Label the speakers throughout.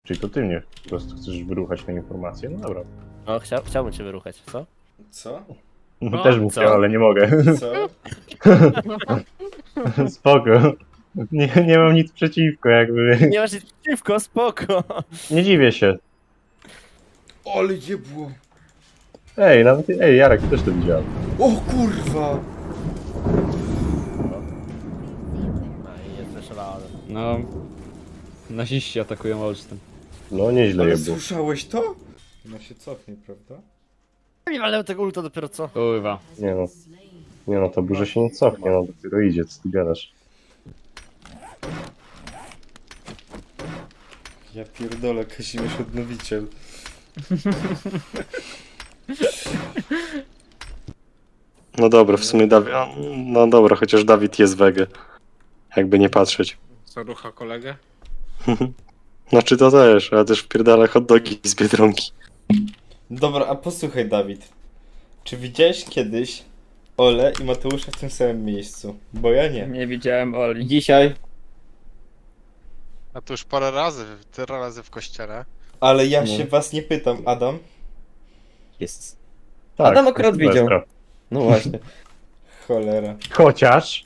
Speaker 1: Czyli to ty mnie po prostu chcesz wyruchać na informację? No dobra.
Speaker 2: No, chciałbym cię wyruchać, co?
Speaker 3: Co?
Speaker 1: No, też bym
Speaker 2: co?
Speaker 1: chciał, ale nie mogę.
Speaker 3: Co?
Speaker 1: Spoko. Nie mam nic przeciwko, jakby.
Speaker 2: Nie masz nic przeciwko, spoko.
Speaker 1: Nie dziwię się.
Speaker 3: Ale jebło.
Speaker 1: Ej, Jarek, też to widziałem.
Speaker 3: O kurwa!
Speaker 2: No i jest też realny.
Speaker 4: No... Naziści atakują Olsztyn.
Speaker 1: No, nieźle
Speaker 3: Ale
Speaker 1: je było.
Speaker 3: słyszałeś to? No się cofnie, prawda?
Speaker 2: Nie walę tego ulta dopiero co?
Speaker 4: Kurwa.
Speaker 1: Nie no, to burza się nie cofnie, no dopiero idzie, co ty gadasz.
Speaker 3: Ja pierdolę, Kazimierz Odnowiciel.
Speaker 1: No dobra, w sumie Dawid... No dobra, chociaż Dawid jest wege. Jakby nie patrzeć.
Speaker 5: Co rucha kolegę?
Speaker 1: Znaczy to też, ale też wpierdala hot dogi z Biedronki.
Speaker 3: Dobra, a posłuchaj, Dawid. Czy widziałeś kiedyś Ole i Mateusza w tym samym miejscu? Bo ja nie.
Speaker 4: Nie widziałem Oli.
Speaker 6: Dzisiaj.
Speaker 5: A to już parę razy, tyle razy w kościele.
Speaker 3: Ale ja
Speaker 6: No.
Speaker 3: się was nie pytam, Adam.
Speaker 6: Jest.
Speaker 1: Tak,
Speaker 6: Adam akurat
Speaker 1: Sylwestra.
Speaker 6: widział. No właśnie.
Speaker 3: Cholera.
Speaker 1: Chociaż,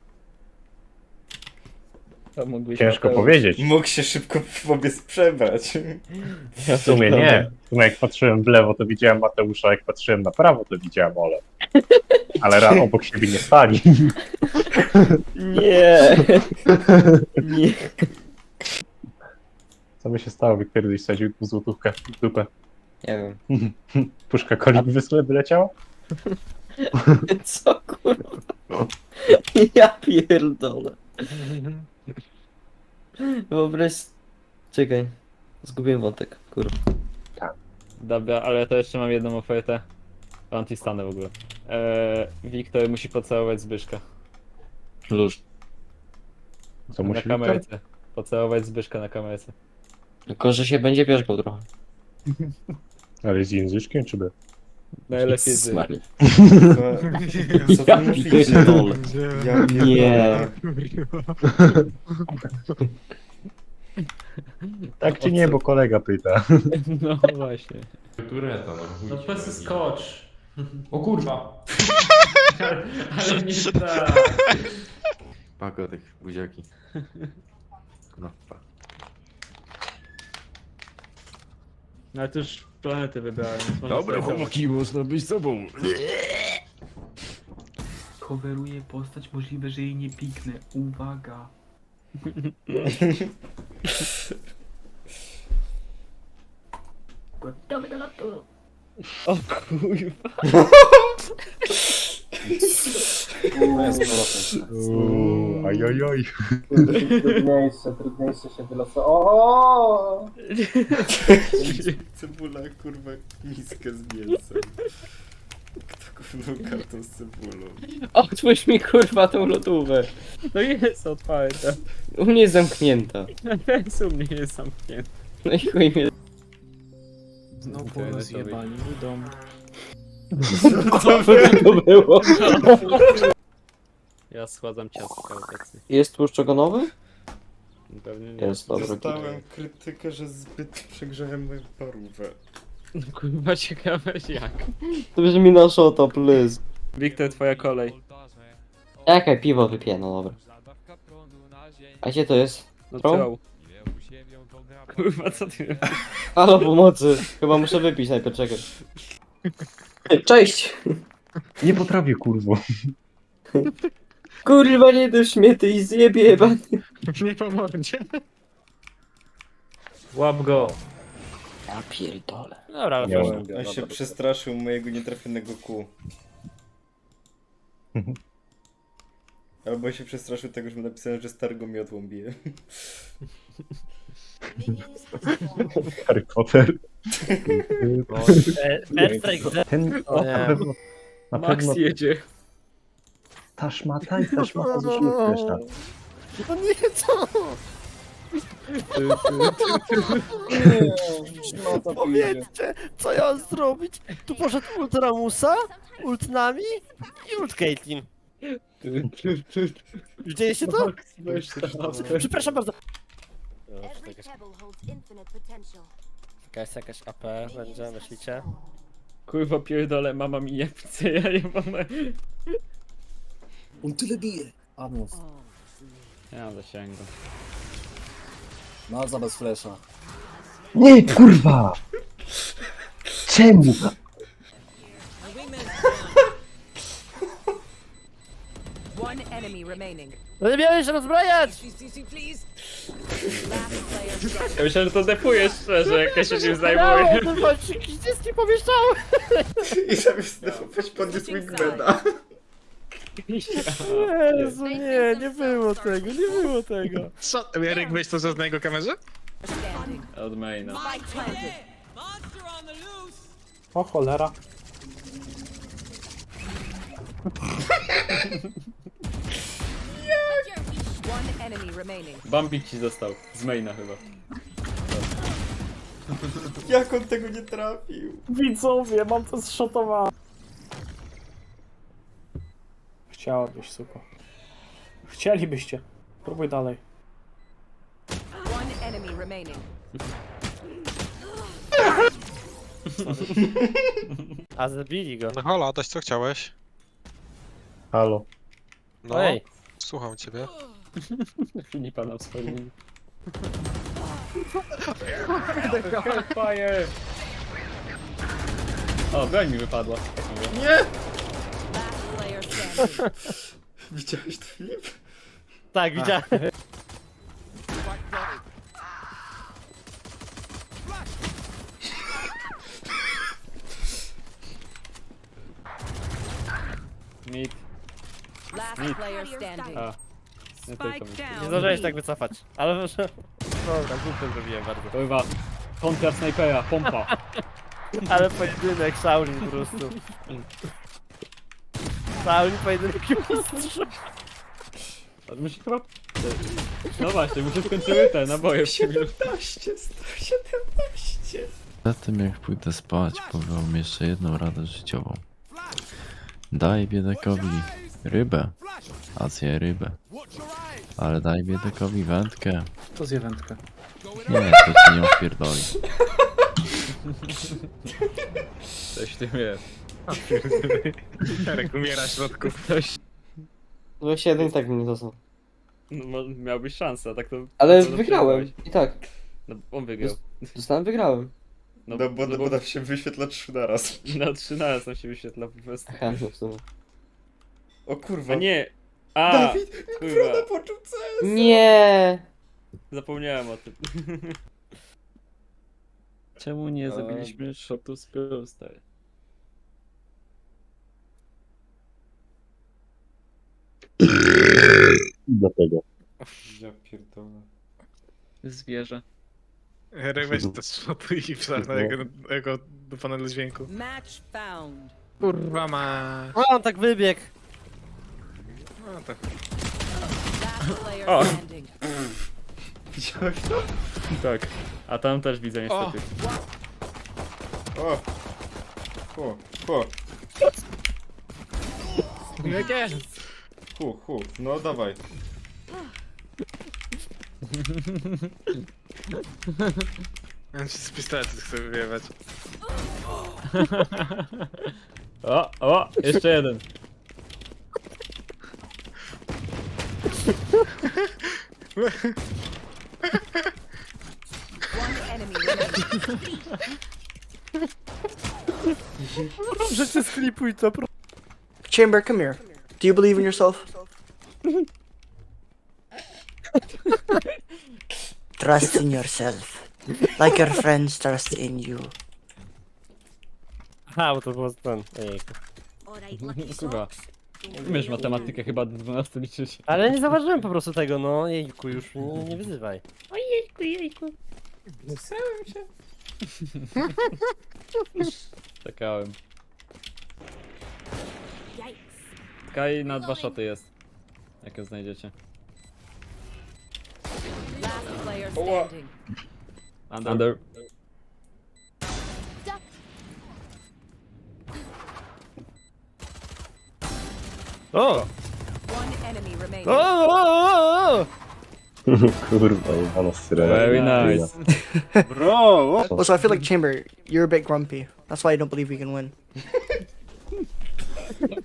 Speaker 4: To mógłbyś
Speaker 1: ciężko
Speaker 4: Mateusz.
Speaker 1: powiedzieć.
Speaker 3: Mógł się szybko w obiec przebrać.
Speaker 1: W sumie nie. W sumie jak patrzyłem w lewo, to widziałem Mateusza, jak patrzyłem na prawo, to widziałem Ole. Ale obok siebie nie stali.
Speaker 6: Nie. Nie.
Speaker 1: Co by się stało, gdy kiedyś sadził złotówkę w dupę?
Speaker 6: Nie wiem.
Speaker 1: Puszka coli by leciała?
Speaker 6: Co kurwa? Ja pierdolę. Wyobraź... Czekaj. Zgubiłem wątek, kurwa.
Speaker 4: Dobra, ale to jeszcze mam jedną ofertę. Antistanę w ogóle. Wiktor musi pocałować Zbyszka.
Speaker 6: Luz.
Speaker 1: Co
Speaker 4: Na
Speaker 1: musi być?
Speaker 4: kamerce. Pocałować Zbyszka na kamerce.
Speaker 6: Tylko, że się będzie pierzgał trochę.
Speaker 1: Ale z języczkiem czy by?
Speaker 4: Najlepiej z...
Speaker 6: Smalie.
Speaker 3: Co
Speaker 6: Ja
Speaker 3: wy mówicie?
Speaker 6: pierdolę.
Speaker 3: Ja
Speaker 6: Nie.
Speaker 1: Tak czy nie, bo kolega pyta.
Speaker 4: No właśnie.
Speaker 7: Tureta,
Speaker 4: No pesy skocz.
Speaker 7: O kurwa!
Speaker 4: Ale nie tak.
Speaker 7: Pako tych buziaki. No, pa.
Speaker 4: No ale to już planety wybrałem. więc można
Speaker 7: Dobra,
Speaker 4: sobie
Speaker 7: chłopaki, można być sobą.
Speaker 8: Coveruję postać, możliwe, że jej nie piknę. Uwaga. Gotowy do lotu.
Speaker 4: O kurwa.
Speaker 1: Ajajaj.
Speaker 9: Trudniejsze się wylosowało.
Speaker 3: Cebula, kurwa, miskę z mięsem. Kto kupnął kartą z cebulą?
Speaker 6: Otwórz mi kurwa tą lodówkę.
Speaker 4: No jest otwarta.
Speaker 6: U mnie jest zamknięta.
Speaker 4: Ten u mnie jest zamknięty.
Speaker 6: No i chuj mnie.
Speaker 8: Znowu rozjebali mój dom.
Speaker 6: Co to było?
Speaker 4: Ja schładzam ciastka obecnie.
Speaker 6: Jest tłuszcz ogonowy?
Speaker 4: Pewnie nie.
Speaker 6: Jest, dobra.
Speaker 3: Dostałem krytykę, że zbyt przegrzałem moją parówę.
Speaker 4: No kurwa ciekawe jak.
Speaker 6: To brzmi na shota, please.
Speaker 4: Wiktor, twoja kolej.
Speaker 6: Jaka piwo wypiję, no dobra. A gdzie to jest?
Speaker 4: No
Speaker 6: Tron?
Speaker 4: co? Kurwa co ty
Speaker 6: Halo, pomocy. Chyba muszę wypić najpierw, czekaj. Cześć!
Speaker 1: Nie potrafię, kurwo.
Speaker 6: Kurwa, nie dość mnie, ty i zjebie jebany.
Speaker 5: Nie pomoże.
Speaker 4: Łap go.
Speaker 6: Ja pierdolę.
Speaker 2: Dobra,
Speaker 1: Nie
Speaker 2: proszę.
Speaker 1: mogę.
Speaker 3: On się przestraszył mojego nietrafionego kół. Albo się przestraszył tego, że mu napisałem, że starego miotłą bije.
Speaker 1: Harry Potter.
Speaker 2: Airstrike,
Speaker 1: Ten na pewno... Na
Speaker 4: Max
Speaker 1: pewno
Speaker 4: jedzie.
Speaker 1: ta szmata i ta szmata z reszta.
Speaker 2: No nie, co? Powiedzcie, co ja mam zrobić? Tu poszedł ult Ramusa, ult Nami i ult Caitlyn. Widzieliście to? Przepraszam bardzo. Jakaś AP będzie, myślicie?
Speaker 4: Kurwa pierdolę, mama mi nie chce, ja nie mam...
Speaker 9: On tyle bije. A mów.
Speaker 4: Ja mam zasięgu.
Speaker 9: No, za bez flesza.
Speaker 1: Nie, kurwa! Czemu?
Speaker 2: No nie miałeś się rozbrajać!
Speaker 4: Ja myślałem, że to defujesz szczerze, jak ja się nim zajmuję.
Speaker 2: No, to ściski pomieszczały!
Speaker 3: I zamiast defować podniósł Wingmana.
Speaker 2: Jezu, nie było tego, nie było tego.
Speaker 5: Co? Jarek, weź to na jego kamerze?
Speaker 4: Od maina.
Speaker 2: O cholera.
Speaker 4: Bambik ci został, z maina chyba.
Speaker 3: Jak on tego nie trafił?
Speaker 2: Widzowie, mam to zszotowane. Chciałabyś, suko. Chcielibyście. Próbuj dalej. A zabili go.
Speaker 5: No halo, Adaś, co chciałeś?
Speaker 1: Halo.
Speaker 5: No,
Speaker 2: Ej.
Speaker 5: słucham ciebie.
Speaker 4: Filipa na swoim. Fire! O, broń mi wypadła.
Speaker 3: Widziałeś to, Filip?
Speaker 2: Tak, widziałem.
Speaker 4: Mid. A. Nie tylko mid.
Speaker 2: Nie zdążyłeś tak wycofać. Ale może... Dobra, głupio zrobiłem bardzo.
Speaker 4: Kurwa. Kontra snajpera, pompa.
Speaker 2: Ale pojedynek, Shaolin po prostu. Shaolin pojedynek mistrz.
Speaker 4: A musi chyba... No właśnie, muszę skończyły te naboje w
Speaker 3: 17, 117.
Speaker 7: Za tym jak pójdę spać, powiem jeszcze jedną radę życiową. Daj biedakowi rybę, a zje rybę. Ale daj biedakowi wędkę.
Speaker 8: To zje wędkę.
Speaker 7: Nie, to ci nie opierdoli.
Speaker 4: Coś w tym jest.
Speaker 5: Jarek umiera w środku.
Speaker 4: Ktoś...
Speaker 6: 21 i tak mnie dostał.
Speaker 4: No, miałbyś szansę, a tak to...
Speaker 6: Ale
Speaker 4: to
Speaker 6: wygrałem. I tak.
Speaker 4: No, on wygrał.
Speaker 6: Dostałem, wygrałem.
Speaker 3: No bo tam się wyświetla 3 naraz.
Speaker 4: Na 3 naraz nam się wyświetla po prostu.
Speaker 6: Aha, no w sumie.
Speaker 3: O kurwa.
Speaker 4: A nie! A!
Speaker 3: Dawid,
Speaker 4: kurwa.
Speaker 3: Brona poczuł CS.
Speaker 6: Nie.
Speaker 4: Zapomniałem o tym. Czemu nie zabiliśmy shotu z Pearl stary?
Speaker 1: Dlatego.
Speaker 3: Ja pierdolę.
Speaker 4: Zwierzę.
Speaker 5: Jarek, weź to shotu i wsadź na jego do panelu dźwięku. Kurwa ma.
Speaker 2: O, on tak wybiegł.
Speaker 5: No tak.
Speaker 4: O!
Speaker 3: Widziałeś to?
Speaker 4: Tak. A tam też widzę niestety.
Speaker 3: O! Hu.
Speaker 5: Nie.
Speaker 3: Hu. No dawaj.
Speaker 5: On ci z pistoletu chce wyjebać.
Speaker 4: O! Jeszcze jeden.
Speaker 2: Proszę cię sklipuj to,
Speaker 10: Chamber, come here. Do you believe in yourself? Trust in yourself. Like your friends trust in you.
Speaker 2: Aha, bo to było ten. Ejku.
Speaker 4: Kurwa. Umiesz matematykę chyba do 12 liczyć.
Speaker 2: Ale nie zauważyłem po prostu tego, no. Jejku, już nie wyzywaj.
Speaker 4: Czekałem. Kaj na 2 shoty jest. Jak ją znajdziecie. Under.
Speaker 2: O! O!
Speaker 1: Kurwa, jebana syrena.
Speaker 4: Very nice.
Speaker 5: Bro!
Speaker 10: Also, I feel like Chamber, you're a bit grumpy. That's why I don't believe we can win.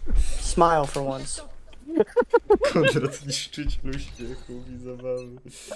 Speaker 10: Smile for once.
Speaker 3: Konrad niszczyciel uśmiechu i zabawy.